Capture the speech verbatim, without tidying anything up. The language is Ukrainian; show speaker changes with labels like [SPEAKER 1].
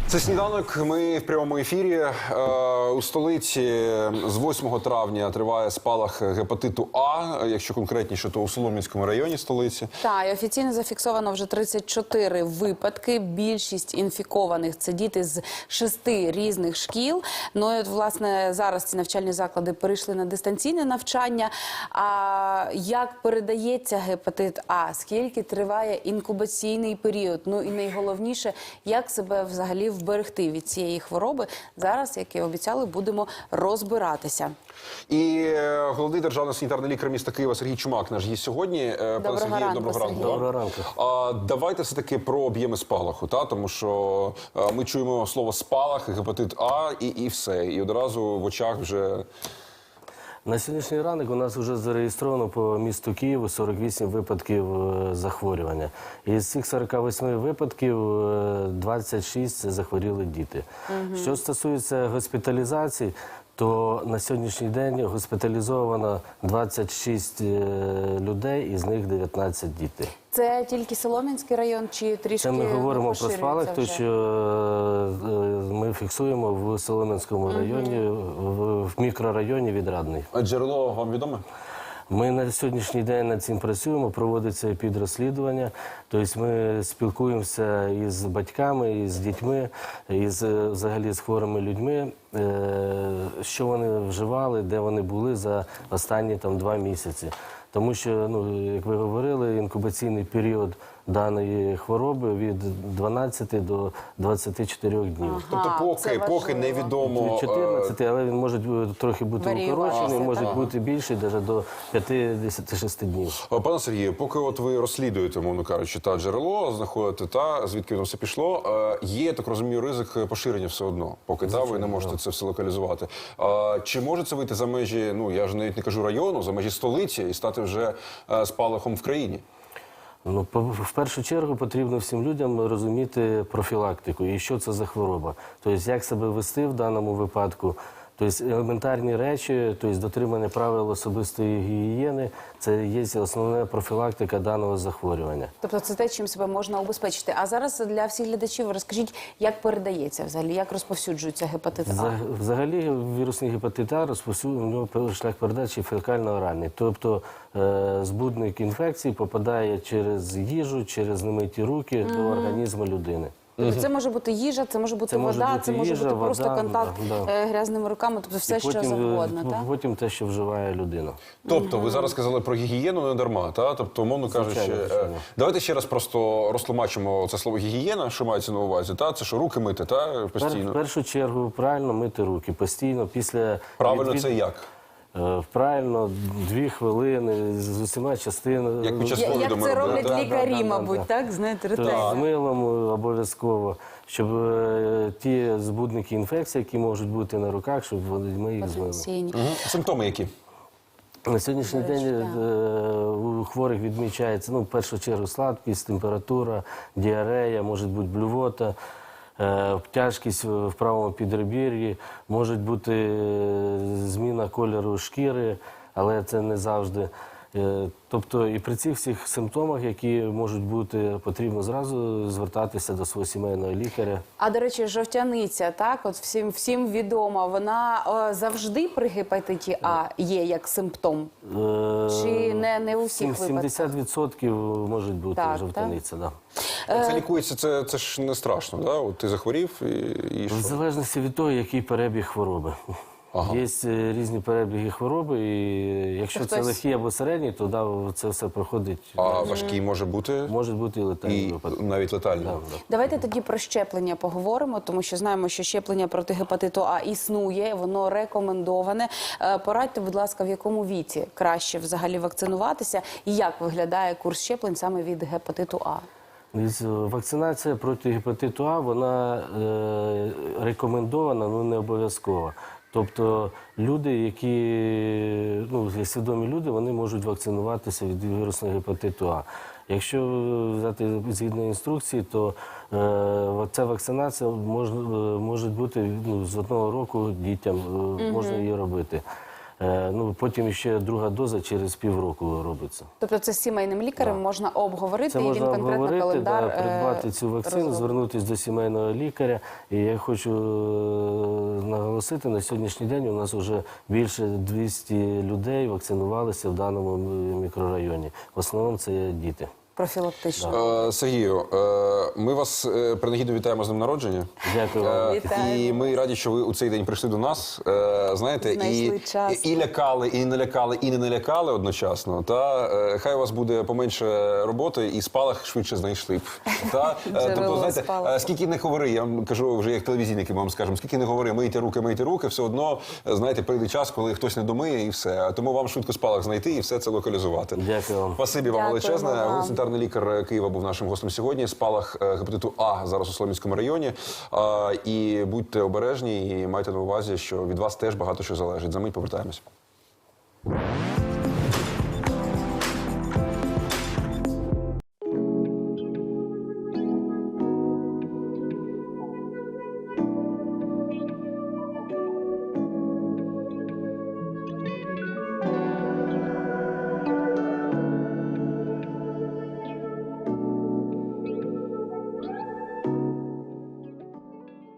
[SPEAKER 1] Це сніданок. Ми в прямому ефірі. Е, у столиці з восьмого травня триває спалах гепатиту А. Якщо конкретніше, то у Солом'янському районі столиці.
[SPEAKER 2] Так, і офіційно зафіксовано вже тридцять чотири випадки. Більшість інфікованих – це діти з шести різних шкіл. Ну і, от, власне, зараз ці навчальні заклади перейшли на дистанційне навчання. А як передається гепатит А? Скільки триває інкубаційний період? Ну і найголовніше, як себе взагалі вберегти від цієї хвороби? Зараз, як і обіцяли, будемо розбиратися.
[SPEAKER 1] І головний державний санітарний лікар міста Києва Сергій Чумак наш є сьогодні.
[SPEAKER 2] Доброго
[SPEAKER 1] Сергію,
[SPEAKER 2] ранку,
[SPEAKER 1] доброго ранку.
[SPEAKER 2] Сергій.
[SPEAKER 3] Доброго ранку.
[SPEAKER 1] А, давайте все-таки про об'єми спалаху, та? Тому що а, ми чуємо слово спалах, гепатит А і, і все. І одразу в очах вже...
[SPEAKER 3] На сьогоднішній ранок у нас вже зареєстровано по місту Києву сорок вісім випадків е, захворювання. Із цих сорока восьми випадків е, двадцять шість це захворіли діти. Угу. Що стосується госпіталізації, то на сьогоднішній день госпіталізовано двадцять шість е, людей, із них дев'ятнадцять дітей.
[SPEAKER 2] Це тільки Солом'янський район чи трішки
[SPEAKER 3] Це ми говоримо про
[SPEAKER 2] поширюється
[SPEAKER 3] спалах,
[SPEAKER 2] вже?
[SPEAKER 3] тому що е, ми фіксуємо в Солом'янському районі, в, в мікрорайоні Відрадний.
[SPEAKER 1] А джерело вам відоме?
[SPEAKER 3] Ми на сьогоднішній день над цим працюємо, проводиться підрозслідування. Тобто ми спілкуємося із батьками, із дітьми, із взагалі з хворими людьми, що вони вживали, де вони були за останні там два місяці. Тому що, ну, як ви говорили, інкубаційний період даної хвороби від дванадцяти до двадцяти чотирьох днів.
[SPEAKER 2] Ага,
[SPEAKER 1] Тобто поки,
[SPEAKER 2] це
[SPEAKER 1] поки
[SPEAKER 2] важливо.
[SPEAKER 1] невідомо...
[SPEAKER 3] Від чотирнадцяти, але він може трохи бути
[SPEAKER 2] Варіюватися,
[SPEAKER 3] укорочений, може
[SPEAKER 2] так.
[SPEAKER 3] бути більший, навіть до п'ятдесят шість днів.
[SPEAKER 1] Е, Пане Сергію, поки от ви розслідуєте, мовно кажучи, та джерело, знаходите та, звідки воно все пішло, е, є, так розумію, ризик поширення все одно, поки та, ви не можете це все локалізувати. Е, Чи може це вийти за межі, ну, я ж навіть не кажу району, за межі столиці і стати вже е, спалахом в країні?
[SPEAKER 3] Ну, по- в першу чергу потрібно всім людям розуміти профілактику і що це за хвороба. Тобто, як себе вести в даному випадку. Тобто, елементарні речі, тобто, дотримання правил особистої гігієни – це є основна профілактика даного захворювання.
[SPEAKER 2] Тобто це те, чим себе можна убезпечити. А зараз для всіх глядачів розкажіть, як передається взагалі, як розповсюджується гепатит А?
[SPEAKER 3] За- Взагалі вірусний гепатит А розповсюджений, у нього пер- шлях передачі фекально-оральний. Тобто е, збудник інфекції попадає через їжу, через немиті руки до організму людини.
[SPEAKER 2] Тобто це може бути їжа, це може бути
[SPEAKER 3] Це може
[SPEAKER 2] вода,
[SPEAKER 3] бути
[SPEAKER 2] це може
[SPEAKER 3] їжа,
[SPEAKER 2] бути просто
[SPEAKER 3] вода,
[SPEAKER 2] контакт
[SPEAKER 3] да, да.
[SPEAKER 2] е, грязними руками, тобто все,
[SPEAKER 3] І потім,
[SPEAKER 2] що завгодно,
[SPEAKER 3] е,
[SPEAKER 2] так?
[SPEAKER 3] потім те, що вживає людина.
[SPEAKER 1] Тобто, ви зараз сказали про гігієну не дарма, та? Тобто, умовно кажучи,
[SPEAKER 3] Звичайно,
[SPEAKER 1] е,
[SPEAKER 3] звичайно.
[SPEAKER 1] давайте ще раз просто розтлумачимо це слово гігієна, що мається на увазі, та? Це що, руки мити, та?
[SPEAKER 3] Пер-
[SPEAKER 1] Постійно?
[SPEAKER 3] В першу чергу правильно мити руки постійно після
[SPEAKER 1] Правильно
[SPEAKER 3] відвід-
[SPEAKER 1] це як?
[SPEAKER 3] Е, Правильно, дві хвилини з усіма частинами.
[SPEAKER 1] Як під час
[SPEAKER 2] Я- Як
[SPEAKER 1] ковіду ми
[SPEAKER 2] це
[SPEAKER 1] робили,
[SPEAKER 2] роблять
[SPEAKER 1] да?
[SPEAKER 2] лікарі,
[SPEAKER 3] Да, да, да,
[SPEAKER 2] мабуть,
[SPEAKER 3] да.
[SPEAKER 2] так? Знаєте,
[SPEAKER 3] Тобто
[SPEAKER 2] ретельно.
[SPEAKER 3] з милом е, обов'язково, щоб е, ті збудники інфекцій, які можуть бути на руках, щоб вони- ми їх змили.
[SPEAKER 2] Потенційні.
[SPEAKER 1] Мгм. Симптоми які?
[SPEAKER 3] На сьогоднішній
[SPEAKER 2] До речі,
[SPEAKER 3] день
[SPEAKER 2] да.
[SPEAKER 3] е, у хворих відмічається, ну, в першу чергу, слабкість, температура, діарея, може бути блювота, е, тяжкість в правому підребір'ї, може бути е, зміна кольору шкіри, але це не завжди. Е, Тобто і при цих всіх симптомах, які можуть бути, потрібно зразу звертатися до свого сімейного лікаря.
[SPEAKER 2] А, до речі, жовтяниця, так, от всім, всім відома, вона е, завжди при гепатиті А є як симптом?
[SPEAKER 3] Е,
[SPEAKER 2] Чи не, не у всіх
[SPEAKER 3] сім-
[SPEAKER 2] випадках?
[SPEAKER 3] сімдесят відсотків може бути
[SPEAKER 2] Так,
[SPEAKER 3] жовтаниця, да.
[SPEAKER 1] Це лікується, це, це ж не страшно, да? От ти захворів і, і що?
[SPEAKER 3] В залежності від того, який перебіг хвороби.
[SPEAKER 1] Ага.
[SPEAKER 3] Є е, різні перебіги хвороби, і якщо
[SPEAKER 2] Це
[SPEAKER 3] це
[SPEAKER 2] хтось-
[SPEAKER 3] легкий або середній, то да, це все проходить.
[SPEAKER 1] А важкий може бути
[SPEAKER 3] Може бути і летальний
[SPEAKER 1] і
[SPEAKER 3] випадок.
[SPEAKER 1] навіть летальний.
[SPEAKER 3] Да, да.
[SPEAKER 2] Давайте тоді про щеплення поговоримо, тому що знаємо, що щеплення проти гепатиту А існує, воно рекомендоване. Е, Порадьте, будь ласка, в якому віці краще взагалі вакцинуватися і як виглядає курс щеплень саме від гепатиту А?
[SPEAKER 3] Дивіться, Вакцинація проти гепатиту А, вона е, рекомендована, але не обов'язкова. Тобто люди, які, ну, свідомі люди, вони можуть вакцинуватися від вірусного гепатиту А. Якщо взяти згідно інструкції, то е, ця вакцинація може, може бути, ну, з одного року дітям е, можна її робити. Е, Ну, потім ще друга доза через півроку робиться.
[SPEAKER 2] Тобто це з сімейним лікарем можна обговорити,
[SPEAKER 3] Це
[SPEAKER 2] і він
[SPEAKER 3] можна
[SPEAKER 2] конкретно
[SPEAKER 3] обговорити,
[SPEAKER 2] календар
[SPEAKER 3] да,
[SPEAKER 2] е,
[SPEAKER 3] придбати цю вакцину,
[SPEAKER 2] розробить.
[SPEAKER 3] звернутися до сімейного лікаря. І я хочу е, наголосити, на сьогоднішній день у нас вже більше двісті людей вакцинувалися в даному мікрорайоні. В основному це діти.
[SPEAKER 2] Профілактично.
[SPEAKER 1] Е, Сергію, е, ми вас е, принагідно вітаємо з днем народження.
[SPEAKER 3] Дякую вам.
[SPEAKER 1] Е,
[SPEAKER 2] Вітаємо.
[SPEAKER 1] І ми раді, що ви у цей день прийшли до нас. Е, Знаєте, і,
[SPEAKER 2] Знайшли час.
[SPEAKER 1] і, і лякали, і не лякали, і не налякали одночасно. Та е, хай у вас буде поменше роботи, і спалах швидше знайшли б. Та е,
[SPEAKER 2] Джерело
[SPEAKER 1] тобто, знаєте,
[SPEAKER 2] спалаху.
[SPEAKER 1] е, скільки не говори, я вам кажу вже як телевізійники, ми вам скажемо, скільки не говори, мийте руки, мийте руки, все одно, е, знаєте, прийде час, коли хтось не домиє, і все. Тому вам швидко спалах знайти і все це локалізувати.
[SPEAKER 3] Дякую вам.
[SPEAKER 1] Спасибі вам
[SPEAKER 2] Дякуємо
[SPEAKER 1] величезне.
[SPEAKER 2] вам.
[SPEAKER 1] Головний санітарний лікар Києва був нашим гостем сьогодні. Спалах е, гепатиту А зараз у Солом'янському районі. А, І будьте обережні і майте на увазі, що від вас теж багато що залежить. За мить повертаємось.